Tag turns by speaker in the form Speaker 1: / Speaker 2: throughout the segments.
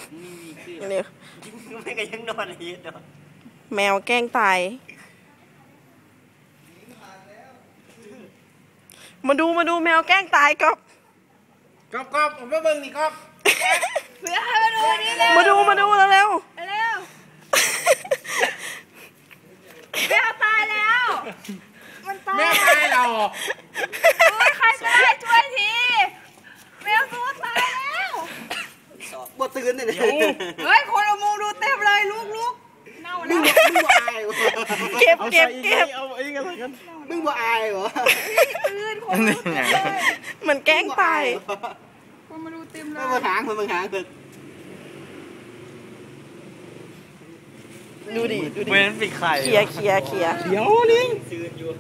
Speaker 1: นี่
Speaker 2: ไม่ก็ยังนอนอีกเนาะ
Speaker 1: แมวแกล้งตายมาดูแมวแกล้งตายก๊อฟ
Speaker 3: ผมมาเบิ่งนี่ก๊อฟ
Speaker 4: เพื่อให้มาดูนี่เลย
Speaker 1: มาดูแล้ว
Speaker 4: เร็วแมวตายแล้วมันตาย
Speaker 3: แม่ตายเรา
Speaker 4: ใครก็ได้ช่วยทีแมวตัวตายแล้ว
Speaker 2: บ่ตื่นเลย
Speaker 4: เฮ้ยคนเอามุงดูเต็มเลยลูกเน่าแล้ว
Speaker 2: มึงบ่อายเหรอ
Speaker 1: เก็บ
Speaker 3: เอาไอ้กันอะไรกัน
Speaker 2: มึงบ่อายเหรอ
Speaker 4: ตื่นคนดูเต็มเลย
Speaker 1: มันแกล้งตาย
Speaker 4: คนมาดูเต็มเลย
Speaker 2: มึงหางเถอะ
Speaker 1: ดูดิ
Speaker 3: เว้นปีกไข่
Speaker 1: เคลียร์
Speaker 3: เดี๋ยวลิง
Speaker 2: ตื่นอยู่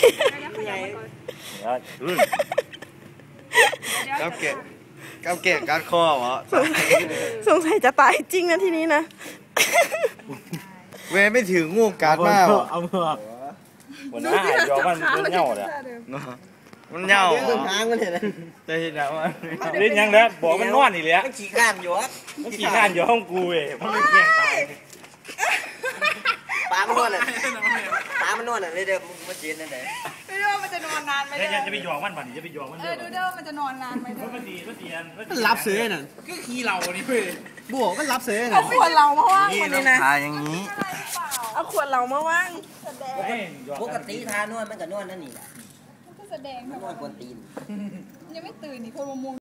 Speaker 3: กับแกะกัดคอเหรอ
Speaker 1: สงสัยจะตายจริงนะทีนี้นะ
Speaker 3: เว้นไม่ถืองูกัดมากเอาเถอะวันนั้นยอมมันเน่าเลยมันเน่า
Speaker 2: หางมันเห็นไหม
Speaker 3: จะเห็นแล้วว่าเล่นยังแล้วบอกมันนอนอีกแล้ว
Speaker 2: มันขี้ข้านอยู่ครับ
Speaker 3: มันขี้ข้านอยู่ห้องกูเว้ยมันไม่เกี่ยงตาย
Speaker 2: ตามันนวดเลยเดี๋ยวมึงเจียนนั่นแหละ
Speaker 4: ไม่รู้ว่ามันจะนอนนานไหม
Speaker 3: จะไปหยอกมันบ่จะไปหยอกมัน
Speaker 4: ดูเด้อมันจะนอนนานไหม
Speaker 3: มันรับเสือน่ะก็ขี้เรานี่เว้ยบวกมันรับเสือน่ะ
Speaker 1: เอาขวดเรามาว่างคนนี้นะ
Speaker 3: ทาอย่างนี้
Speaker 1: เอาขวดเรามาว่าง
Speaker 2: ปกติทานวดมันก็นวดนั่นนี่แหละ
Speaker 4: ก็แสดง
Speaker 2: นวดกวนตีน
Speaker 4: ยังไม่ตื่นนี่คนมามุง